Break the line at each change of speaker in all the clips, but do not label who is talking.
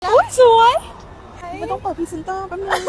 นะ
อุ๊ยสวย
ไม่ต้องเปิดพรีเซนเตอร์แป๊บนึง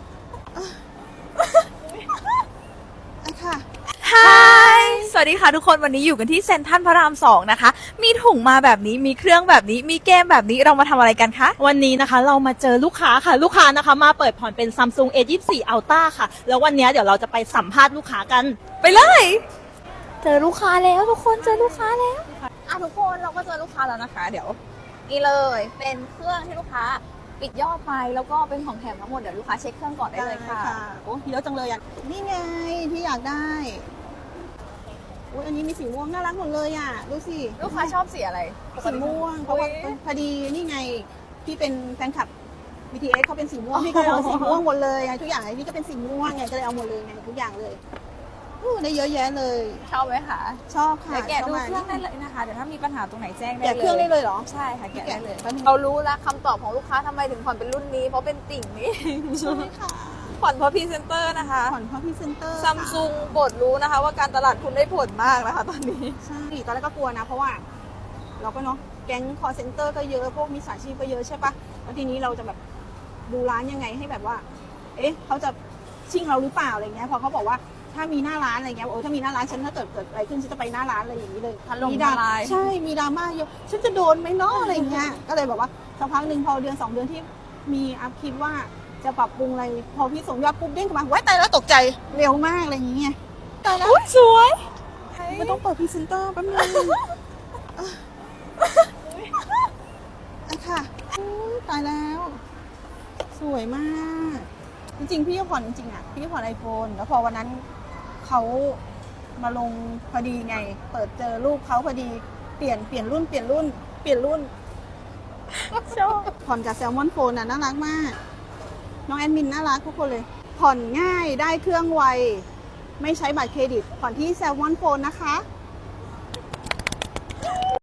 ค่ะ
ฮายสวัสดีค่ะทุกคนวันนี้อยู่กันที่เซ็นทรัลพระราม2นะคะมีถุงมาแบบนี้มีเครื่องแบบนี้มีเกมแบบนี้เรามาทำอะไรกันคะ
วันนี้นะคะเรามาเจอลูกค้าค่ะลูกค้านะคะมาเปิดผ่อนเป็น Samsung A24 Ultra ค่ะแล้ววันนี้เดี๋ยวเราจะไปสัมภาษณ์ลูกค้ากัน
ไปเลยเจอลูกค้าแล้วทุกคนเจอลูกค้าแล้วทุกคนเราก็เจอลูกค้าแล้วนะคะ เดี๋ยวนี่เลยเป็นเครื่องที่ลูกค้าปิดยอดไปแล้วก็เป็นของแถมทั้งหมดเดี๋ยวลูกค้าเช็คเครื่องก่อนได้เลยค่ะ
โอ้เยอะจังเลยอ่ะนี่ไงที่อยากได้อุ้ยอันนี้มีสีม่วงน่ารักหมดเลยอ่ะดูสิ
ลูกค้าชอบสีอะไร
สีม่วงเพราะว่าพอดีนี่ไงพี่เป็นแฟนคลับ BTS เขาเป็นสีม่วงพี่ก็เลยเอาสีม่วงหมดเลยไงทุกอย่างไอ้พี่ก็เป็นสีม่วงไงก็เลยเอาหมดเลยไงทุกอย่างเลยได้เยอะแยะเลย
ชอบไหมคะ
ชอบค่ะ
เดี๋ยวแกะดู
ชบ
เค
มาก
รื่องได้เลยนะคะเดี๋ยวถ้ามีปัญหาตรงไหนแจ้งได้
แกะ
เลย
เครื่องได้เลยเหรอ
ใช่ค่ะแกะได้เลย
แกะ
เรารู้แล้วคำตอบของลูกค้าทำไมถึงผ่อนเป็นรุ่นนี้เพราะเป็นติ่งนี้
ใช่ค่ะ
ผ่อนเพราะพรีเซนเตอร์นะคะ
ผ่อนเพราะพรีเซนเตอร์
ซัมซุงบดรู้นะคะ ว่าการตลาดคุณได้ผลมากนะคะตอนนี้
ใช่ตอนแรกก็กลัวนะเพราะว่าเราก็เนาะแก๊งคอร์เซ็นเตอร์ก็เยอะพวกมิจฉาชีพก็เยอะใช่ปะแล้วทีนี้เราจะแบบดูร้านยังไงให้แบบว่า เอ๊ะเขาจะชิ่งเราหรือเปล่าอะไรเงี้ยพอเขาบอกว่าถ้ามีหน้าร้านอะไรเงี้ยโอ้ถ้ามีหน้าร้านฉันถ้าเกิดอะไรขึ้นฉันจะไปหน้าร้านอะไรอย่างนี้เลย
ถล่ม
ดรา
ทลาย
ใช่มีดราม่าเยอะฉันจะโดนไหมเนาะอะไรเงี้ยก็เลยบอกว่าสักพักหนึ่งพอเดือน2 เดือนที่มีอัพคลิปว่าจะปรับปรุงอะไรพอพี่ส่งยอดปุ๊บเด้งเข้ามาไว้ตายแล้วตกใจเร็วมากอะไรอย่างเงี้ยตายแล้ว
อุ๊ยสวย
ไม่ต้องเปิดพรีเซนเตอร์แป๊บนึงค่ะตายแล้ว สวยมาก จริงๆพี่ก็ผ่อนจริงๆอ่ะพี่ก็ผ่อน iPhone แล้วพอวันนั้นเขามาลงพอดีไง เปิดเจอรูปเขาพอดีเปลี่ยนรุ่นชอบผ่อนกับแซลมอนโฟนน่ะน่ารักมาก น้องแอดมินน่ารักทุกคนเลย ผ่อนง่ายได้เครื่องไว ไม่ใช้บัตรเครดิต ผ่อนที่แซลมอนโฟนนะคะ